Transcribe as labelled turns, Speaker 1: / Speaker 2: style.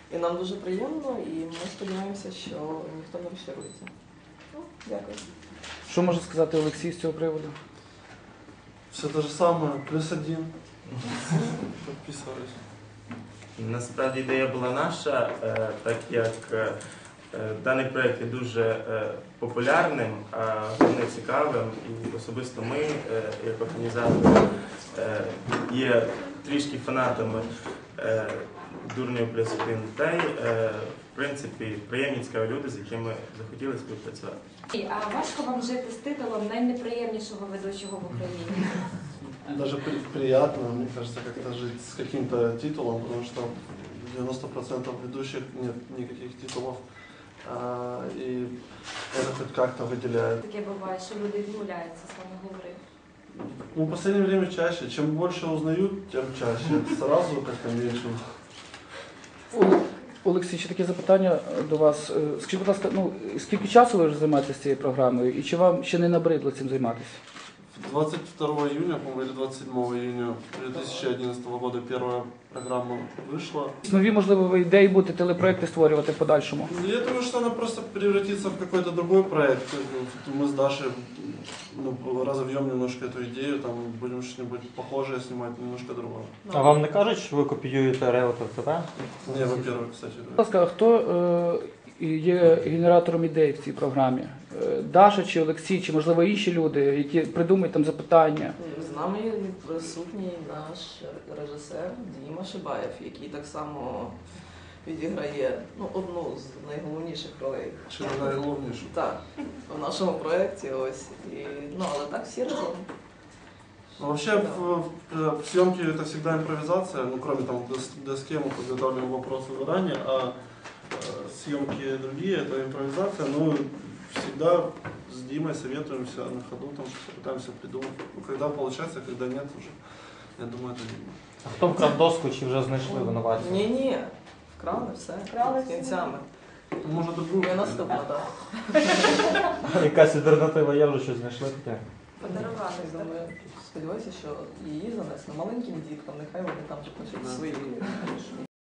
Speaker 1: І нам дуже приємно, і ми сподіваємося, що ніхто не розчарується. Ну, дякую.
Speaker 2: Що може сказати Олексій з цього приводу?
Speaker 3: Все те ж саме, +1. Підписуюсь.
Speaker 4: Насправді ідея була наша, так як даний проєкт є дуже популярним, головне цікавим, і особисто ми, як організатори, є трішки фанатами Дурнів +1, та й, в принципі, приємні цікаві люди, з якими захотіли співпрацювати.
Speaker 5: А важко вам жити з титулом найнеприємнішого ведучого в Україні?
Speaker 3: Даже приятно, мне кажется, как-то жить с каким-то титулом, потому что 90% ведущих нет никаких титулов, и это хоть как-то выделяет.
Speaker 5: Таке буває, що люди відмовляються з вами говорити.
Speaker 3: Ну, в последнее время чаще. Чем больше узнают, тем чаще. Сразу как-то меньше.
Speaker 2: Олексій, ще таке запитання до вас. Скажіть, будь ласка, скільки часу ви вже займаєтеся цією програмою, і чи вам ще не набридло цим займатися?
Speaker 3: 22 июня, по-моему, или 27 июня 2011 года первая программа вышла.
Speaker 2: Нові, можливо, ви ідеї будете телепроекти створювати в подальшому?
Speaker 3: Я думаю, что она просто превратится в какой-то другой проект. Мы с Дашей разовьем немножко эту идею, там будем что-нибудь похожее снимать, немножко другое.
Speaker 6: А вам не кажуть, що ви копіюєте Реутов ТВ?
Speaker 3: Не, во-первых, кстати.
Speaker 2: Будь ласка, а хто є генератором ідей в цій програмі? Даша чи Олексій, чи, можливо, інші люди, які придумують там запитання?
Speaker 1: З нами присутній наш режисер Діма Шибаєв, який так само відіграє одну з найголовніших ролей.
Speaker 3: Чи не найголовнішу?
Speaker 1: Так, в нашому проєкті ось. Але так всі разом.
Speaker 3: Вообще в съемке это всегда импровизация, кроме там доски мы подготавливаем вопросы заранее, а съемки другие это импровизация, всегда с Димой советуемся на ходу, там что-то пытаемся придумать. Когда получается, когда нет уже, я думаю, это Дима.
Speaker 6: А хто вкрав доску, чи вже знайшли винуватців?
Speaker 1: Ні, вкрали все, з кінцями.
Speaker 3: Може другу?
Speaker 1: Ми наступно, так.
Speaker 6: Якась альтернатива є, вже щось знайшли таке?
Speaker 5: Подарували.
Speaker 1: Думаю, сподіваюся, що її занесли маленьким діткам, нехай вони там же пишуть свої